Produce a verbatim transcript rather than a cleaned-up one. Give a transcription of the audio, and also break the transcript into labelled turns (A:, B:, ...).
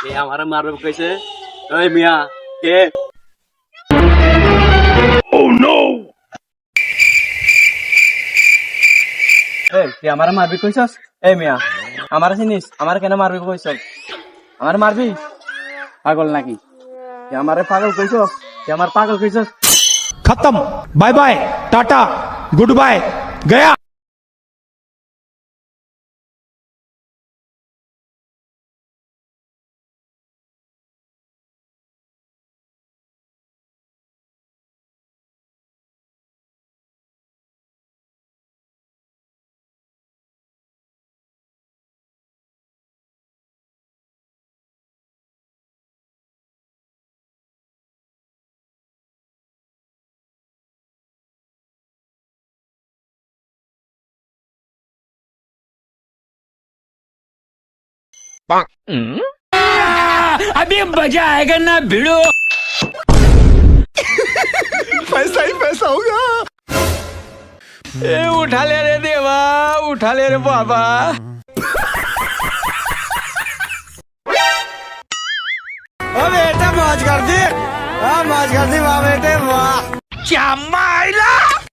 A: এ আমারে মারবে কইছে। ওই মিয়া কে? ও নো! এই তুই আমারে মারবি কইছস? এই মিয়া আমারে চিনিস? আমারে কেন মারবি কইছস? আমারে মারবি? পাগল নাকি? তুই আমারে পাগল কইছস? তুই আমার পাগল কইছস?
B: खत्म bye bye tata good bye गया अभी मजा आएगा ना भिड़ो पैसा ही पैसा होगा ए उठा ले रे देवा उठा ले रे बाबा
C: ओ बेटा मौज कर दी, हाँ मौज कर दी वाह बेटे वाह।
B: क्या माइला